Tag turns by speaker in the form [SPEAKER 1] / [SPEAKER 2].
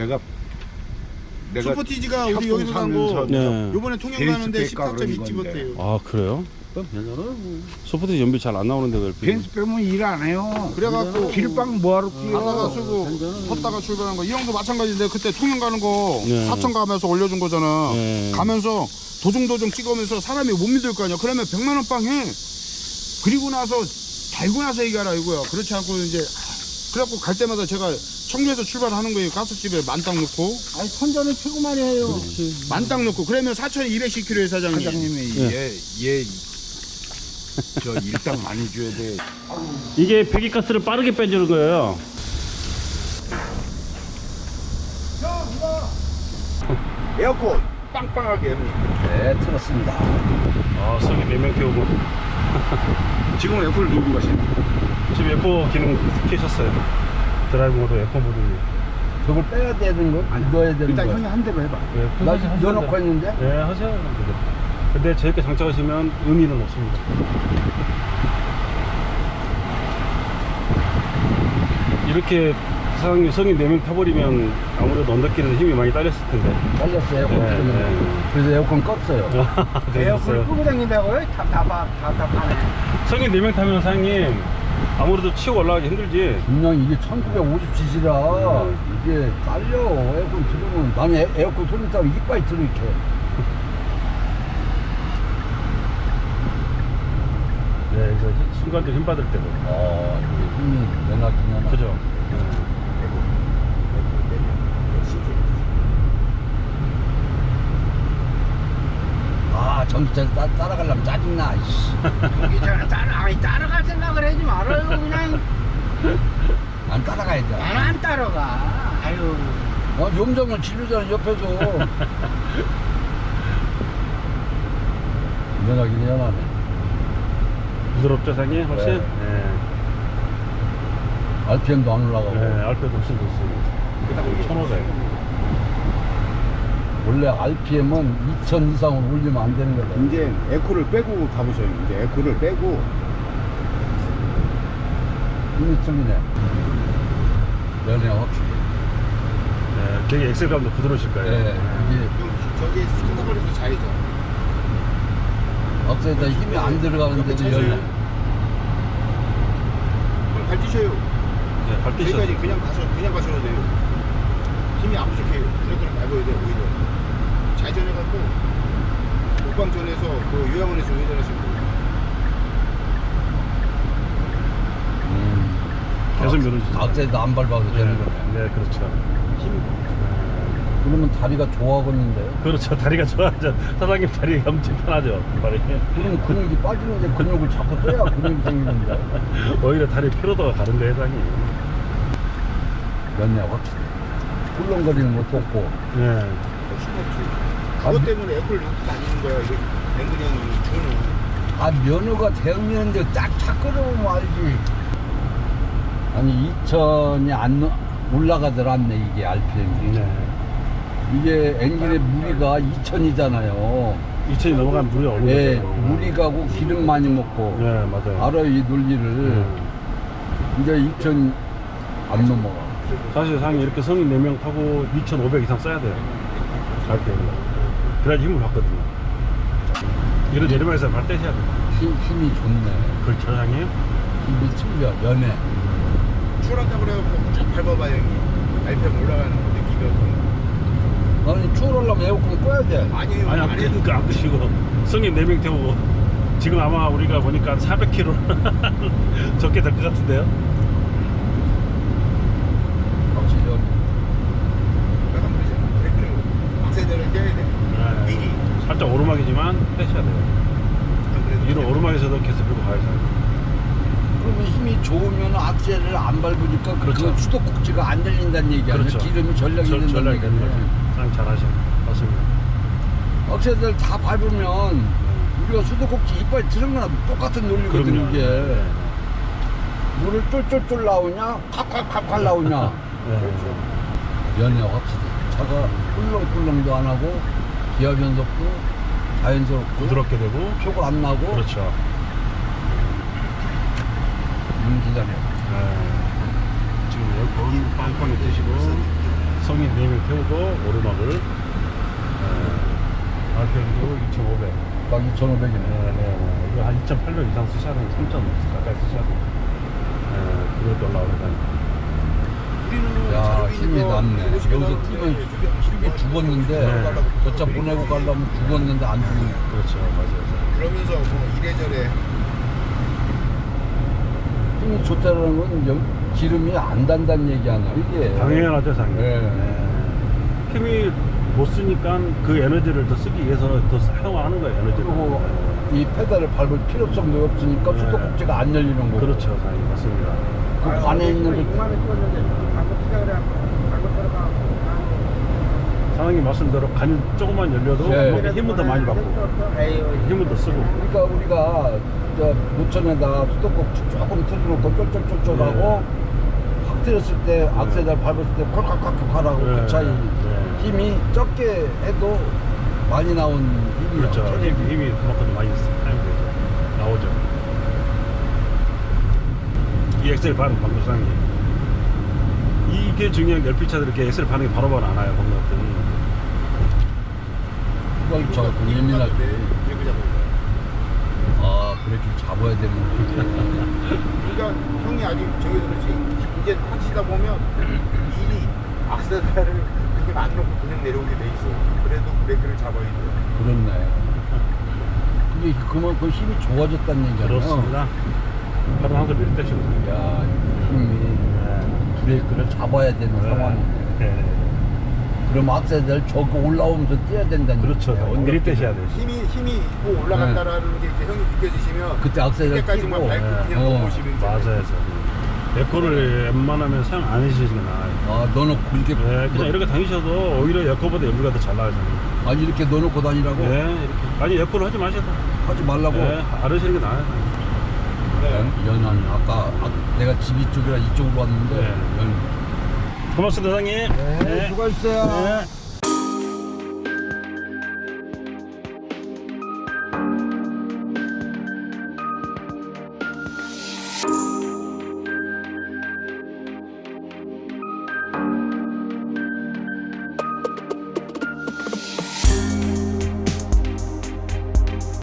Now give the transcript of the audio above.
[SPEAKER 1] 내가
[SPEAKER 2] 소포티지가 우리 여기서 산 거
[SPEAKER 3] 네.
[SPEAKER 2] 요번에 통영 가는데 14.2찌 못해요.
[SPEAKER 3] 아 그래요? 소프트 연비 잘 안 나오는데 왜
[SPEAKER 1] 벤스 빼면 일 안 해요.
[SPEAKER 2] 그래갖고
[SPEAKER 1] 길빵 뭐하러
[SPEAKER 2] 하다가
[SPEAKER 1] 뛰어.
[SPEAKER 2] 쓰고 섰다가 출발한 거 이 형도 마찬가지인데 그때 통영 가는 거
[SPEAKER 3] 네.
[SPEAKER 2] 사천 가면서 올려준 거잖아.
[SPEAKER 3] 네.
[SPEAKER 2] 가면서 도중도중 찍으면서 사람이 못 믿을 거 아니야. 그러면 100만 원 빵 해. 그리고 나서 달고 나서 얘기하라 이거야. 그렇지 않고 이제 그래갖고 갈 때마다 제가 청주에서 출발하는 거예요. 가스집에 만땅 넣고
[SPEAKER 1] 아니 선전은 최고만 해요.
[SPEAKER 2] 만땅 넣고 그러면 4,210km에 사장님.
[SPEAKER 1] 사장님이
[SPEAKER 3] 네.
[SPEAKER 1] 얘저 일당 많이 줘야 돼.
[SPEAKER 3] 이게 배기가스를 빠르게 빼주는 거예요.
[SPEAKER 2] 에어컨 빵빵하게.
[SPEAKER 1] 네, 틀었습니다.
[SPEAKER 3] 아 성이 4명 태우고
[SPEAKER 2] 지금 에어컨을 누르고 가시네.
[SPEAKER 3] 지금 에코 기능 켜셨어요. 드라이브 모드 에코 모드니.
[SPEAKER 1] 저걸 빼야 되는 거? 아니, 넣어야 되는
[SPEAKER 2] 일단
[SPEAKER 1] 거.
[SPEAKER 2] 형이 한 대로 해봐.
[SPEAKER 1] 나 지금 넣어놓고 했는데?
[SPEAKER 3] 네 하세요. 근데 저렇게 장착하시면 의미는 없습니다. 이렇게 사장님 성인 4명 타버리면 아무래도 언덕길에서 힘이 많이 딸렸을 텐데.
[SPEAKER 1] 잘렸어요, 에어컨
[SPEAKER 3] 네,
[SPEAKER 1] 틀으면.
[SPEAKER 3] 네.
[SPEAKER 1] 그래서 에어컨 껐어요.
[SPEAKER 3] 에어컨을
[SPEAKER 1] 끄고 다닌다고요? 답답하네.
[SPEAKER 3] 성인 4명 타면 사장님 아무래도 치고 올라가기 힘들지.
[SPEAKER 1] 분명 이게 1950cc라 이게 딸려. 에어컨 틀으면. 나는 에어컨 소리 따고 이빨이 들어, 이렇게.
[SPEAKER 3] 네, 그래서 순간적으로 힘 받을 때도.
[SPEAKER 1] 이게 힘이 내나긴 하나.
[SPEAKER 3] 그죠?
[SPEAKER 1] 전기차 따라가려면 짜증나.
[SPEAKER 4] 전기차는 따라갈 생각을 하지 말아요. 그냥
[SPEAKER 1] 안 따라가야 돼.
[SPEAKER 4] 나는 안 따라가. 아유.
[SPEAKER 1] 용정을 지르잖아, 옆에서. 면하긴 연하네.
[SPEAKER 3] 부드럽죠, 사장님? 훨씬?
[SPEAKER 1] 네.
[SPEAKER 3] 네.
[SPEAKER 1] RPM도 안 올라가고.
[SPEAKER 3] 네, 알페도 훨씬 좋습니다. 1500.
[SPEAKER 1] 원래 RPM은 2000 이상으로 올리면 안 되는 거다.
[SPEAKER 2] 이제 에코를 빼고 가보세요. 이제 에코를 빼고
[SPEAKER 1] 힘이 틀리네. 연해 확실히.
[SPEAKER 3] 네, 되게 엑셀감도 부드러우실 거예요.
[SPEAKER 1] 네, 이게
[SPEAKER 2] 저기 스쿠터거리에서 좌회전.
[SPEAKER 1] 앞서에다 힘이 안 들어가는데도 연해.
[SPEAKER 2] 발 뛰셔요.
[SPEAKER 3] 네, 발 뛰셔도
[SPEAKER 2] 저기까지 그냥 가셔도 돼요. 힘이 안 부족해요. 브레이크를 밟아야 돼요. 오히려 좌회전해갖고 목방전에서 그 요양원에서 우회전하시면 돼요.
[SPEAKER 3] 계속 밀어주죠.
[SPEAKER 1] 앞서에도 안 밟아도 되는 거네.
[SPEAKER 3] 네, 그렇죠.
[SPEAKER 1] 그러면 다리가 좋아하겠는데요?
[SPEAKER 3] 그렇죠. 다리가 좋아하죠. 사장님 다리 엄청 편하죠. 발이.
[SPEAKER 1] 그럼 근육이 빠지는데 근육을 자꾸 써야 근육이 생기는데.
[SPEAKER 3] 오히려 다리 피로도가 가는데, 회장님.
[SPEAKER 1] 연해 확실히. 훌렁거리는 것도 없고.
[SPEAKER 3] 네.
[SPEAKER 2] 그것 때문에 에코를 넣고 다니는 거야. 이게 앵근이 형이 주는.
[SPEAKER 1] 면허가 대형면인데 딱 끌어보면 알지. 아니 2000이 안 올라가들 않네, 이게 RPM이.
[SPEAKER 3] 네.
[SPEAKER 1] 이게 엔진의 무리가 2000이잖아요.
[SPEAKER 3] 2000이 넘어가면 물이 얼는
[SPEAKER 1] 예,
[SPEAKER 3] 거죠.
[SPEAKER 1] 무리 가고 기름 많이 먹고.
[SPEAKER 3] 네, 맞아요.
[SPEAKER 1] 알아요, 이 논리를. 이제 2000 안 넘어가.
[SPEAKER 3] 사실 사장님 이렇게 성인 4명 타고 2500 이상 써야 돼요. 갈 때. 그래야지 힘을 받거든요. 이런 내리막에서 발 떼셔야 돼요.
[SPEAKER 1] 힘이 좋네.
[SPEAKER 3] 그렇죠, 사장님?
[SPEAKER 1] 힘이 틀려, 연해.
[SPEAKER 2] 출한다고 그래갖고 쭉 밟아봐 형이. RPM 올라가는 거 느끼거든.
[SPEAKER 1] 아니, 추월하려면 에어컨 꺼야 돼.
[SPEAKER 2] 아니에요.
[SPEAKER 3] 아니,
[SPEAKER 2] 안 해도
[SPEAKER 3] 안 드시고. 성인 4명 태우고. 지금 아마 우리가 보니까 400km 적게 될 것 같은데요?
[SPEAKER 1] 확실히 연해.
[SPEAKER 2] 하면 되잖아. 브레이크를 악셀레를 떼야 돼.
[SPEAKER 3] 네.
[SPEAKER 2] 미리.
[SPEAKER 3] 살짝 오르막이지만 떼셔야 돼요.
[SPEAKER 2] 안 그래도
[SPEAKER 3] 이런 오르막에서도 계속 들고 가야죠.
[SPEAKER 1] 그러면 힘이 좋으면 악셀을 안 밟으니까
[SPEAKER 3] 그렇죠.
[SPEAKER 1] 그 수도꼭지가 안 들린다는 얘기 아니야.
[SPEAKER 3] 그렇죠.
[SPEAKER 1] 기름이 전력이 된다는
[SPEAKER 3] 전략이 되는
[SPEAKER 1] 얘기야.
[SPEAKER 3] 거죠. 사장님 잘하시네. 맞습니다.
[SPEAKER 1] 악셀을 다 밟으면 우리가 수도꼭지 이빨 들은 거나 똑같은 논리거든.
[SPEAKER 3] 그럼요.
[SPEAKER 1] 이게.
[SPEAKER 3] 네.
[SPEAKER 1] 물을 쫄쫄쫄 나오냐 콱콱콱콱 나오냐.
[SPEAKER 3] 네.
[SPEAKER 1] 연해 확실히. 차가 꿀렁꿀렁도 안 하고 기압 연속도 자연스럽고
[SPEAKER 3] 부드럽게 되고.
[SPEAKER 1] 표가 안 나고.
[SPEAKER 3] 그렇죠.
[SPEAKER 1] 기다려.
[SPEAKER 3] 네. 지금 에어컨 빵빵히 뜨시고 성인 4명 태우고 오르막을 RPM도 2,500.
[SPEAKER 1] 딱 2,500이네.
[SPEAKER 3] 네. 이거 한 2,800 이상 쓰셔야 되는 3,000 가까이 쓰셔야 돼요. 그것도 올라오니까.
[SPEAKER 1] 야, 힘이 남네. 여기서 뛰면 힘이 죽었는데,
[SPEAKER 3] 네.
[SPEAKER 1] 저차 보내고 가려면 죽었는데 안 죽네.
[SPEAKER 3] 그렇죠, 맞아요.
[SPEAKER 4] 그러면서 뭐 이래저래
[SPEAKER 1] 힘이 좋다는 건 기름이 안 단다는 얘기 아니야, 이게.
[SPEAKER 3] 당연하죠, 당연.
[SPEAKER 1] 네.
[SPEAKER 3] 힘이 못 쓰니까 그 에너지를 더 쓰기 위해서 더 사용하는 거예요, 에너지를.
[SPEAKER 1] 그리고 이 페달을 밟을 필요성도 없으니까
[SPEAKER 3] 네.
[SPEAKER 1] 수도꼭지가 안 열리는 거고.
[SPEAKER 3] 그렇죠, 당연히 맞습니다.
[SPEAKER 1] 그 관에 있는
[SPEAKER 4] 6만 원 줬는데 방금 시작을 방금 들어가
[SPEAKER 3] 사장님 말씀대로 간이 조금만 열려도
[SPEAKER 1] 네.
[SPEAKER 3] 힘은 더 많이 받고 힘은 더 쓰고.
[SPEAKER 1] 그러니까 우리가 저 노천에다 수도꼭지 조금 틀어놓고 쫄쫄쫄쫄하고 확 틀었을 때 악셀을 밟았을 때 콜칵콜칵 하라고
[SPEAKER 3] 네.
[SPEAKER 1] 그 차이
[SPEAKER 3] 네.
[SPEAKER 1] 힘이 적게 해도 많이 나온 힘이요.
[SPEAKER 3] 그렇죠.
[SPEAKER 1] 체력이.
[SPEAKER 3] 힘이 그만큼 많이 사용되죠. 나오죠. 이 엑셀 반응 방금 사는 게 이게 중요한 게 LP차들 이렇게 엑셀 반응이 바로바로 안 와요. 방금 같더니
[SPEAKER 1] 그걸 저 예민할 때 아, 브레이크를 잡아야 되는 거.
[SPEAKER 4] 그러니까 형이 아직 저기 그렇지 이제 타시다 보면 미리 악셀을 그게 안 놓고 그냥 내려오게 돼 있어. 그래도 브레이크를 잡아야 돼.
[SPEAKER 1] 그렇네. 근데 그만큼 힘이 좋아졌다는 얘기잖아요.
[SPEAKER 3] 그렇습니다. 바로 항상 밀 때시고.
[SPEAKER 1] 야, 힘이 브레이크를 잡아야 되는 상황이네.
[SPEAKER 3] 네.
[SPEAKER 1] 그럼 악셀을 저거 올라오면서 뛰어야 된다는
[SPEAKER 3] 그렇죠.
[SPEAKER 1] 얘기예요.
[SPEAKER 3] 미리 떼셔야 돼요.
[SPEAKER 4] 힘이 있고 올라간다라는 게 이제 형이 느껴지시면
[SPEAKER 1] 그때 악셀을
[SPEAKER 4] 그때까지만
[SPEAKER 1] 끼고,
[SPEAKER 4] 밟고 그냥 넘어오시면 돼요.
[SPEAKER 3] 맞아요. 에코를 웬만하면 사용 안 해주시는 게 나아요.
[SPEAKER 1] 아, 넣어놓고 이렇게
[SPEAKER 3] 네, 그냥 이렇게 다니셔도 오히려 에코보다 연비가 더 잘 나와요. 저는.
[SPEAKER 1] 아니 이렇게 넣어놓고 다니라고
[SPEAKER 3] 네, 이렇게. 아니 에코를 하지 마셔도.
[SPEAKER 1] 하지 말라고.
[SPEAKER 3] 네, 안 하시는 게 나아요.
[SPEAKER 1] 연한 아까 내가 집 이쪽이라 이쪽으로 왔는데
[SPEAKER 3] 네.
[SPEAKER 1] 연.
[SPEAKER 3] 고맙습니다, 사장님.
[SPEAKER 1] 네, 수고하셨어요.
[SPEAKER 3] 네.